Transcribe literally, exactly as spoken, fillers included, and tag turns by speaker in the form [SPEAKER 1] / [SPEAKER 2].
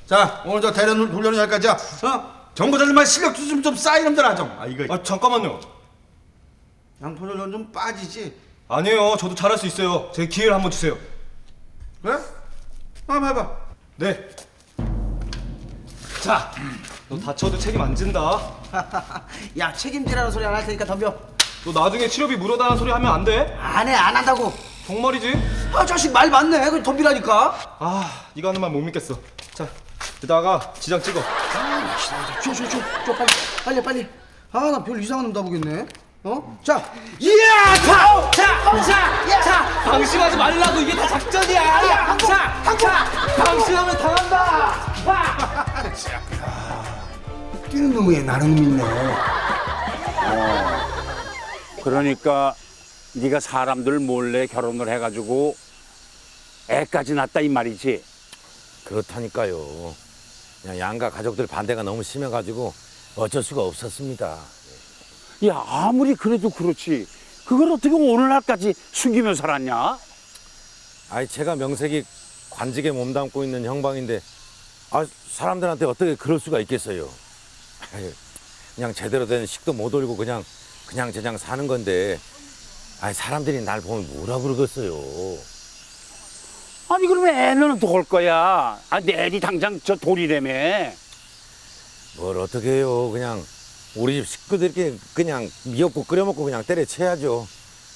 [SPEAKER 1] 자, 오늘 저 대련 훈련은 여기까지야. 어? 정보자들만 실력 좀 좀 쌓이 놈들아 좀. 아 이거.
[SPEAKER 2] 아 잠깐만요.
[SPEAKER 1] 양포전련 좀 빠지지.
[SPEAKER 2] 아니에요. 저도 잘할 수 있어요. 제 기회를 한번 주세요.
[SPEAKER 1] 그래? 한번 해봐.
[SPEAKER 2] 네. 자, 너 다쳐도 책임 안 진다.
[SPEAKER 3] 야, 책임지라는 소리 안 할 테니까 덤벼.
[SPEAKER 2] 너 나중에 치료비 무료다는 소리 하면 안 돼.
[SPEAKER 3] 안 해, 안 한다고.
[SPEAKER 2] 정말이지?
[SPEAKER 3] 아, 자식 말 맞네. 그럼 덤비라니까.
[SPEAKER 2] 아, 네가 하는 말 못 믿겠어. 자, 여기다가 지장 찍어.
[SPEAKER 3] 아, 줘, 줘, 줘, 줘, 빨리, 빨리, 빨리. 아, 나 별 이상한 놈 다 보겠네. 어? 자, 이야, 자, 자, 자, 자,
[SPEAKER 4] 방심하지 말라고. 이게 다 작전이야. 자, 자, 방심하면 당한다.
[SPEAKER 3] 뛰는 놈에 나는 놈 있네.
[SPEAKER 5] 그러니까 네가 사람들 몰래 결혼을 해가지고 애까지 낳았다 이 말이지.
[SPEAKER 6] 그렇다니까요. 그냥 양가 가족들 반대가 너무 심해가지고 어쩔 수가 없었습니다.
[SPEAKER 5] 야, 아무리 그래도 그렇지. 그걸 어떻게 오늘날까지 숨기며 살았냐?
[SPEAKER 6] 아이 제가 명색이 관직에 몸담고 있는 형방인데 아 사람들한테 어떻게 그럴 수가 있겠어요. 아이, 그냥 제대로 된 식도 못 올리고 그냥 그냥 저냥 사는 건데 아이 사람들이 날 보면 뭐라 그러겠어요.
[SPEAKER 5] 아니 그러면 애는 또 올 거야. 아, 내일이 당장 저 돌이라며.
[SPEAKER 6] 뭘 어떻게 해요. 그냥 우리 집 식구들끼리 그냥 미역국 끓여 먹고 그냥 때려쳐야죠.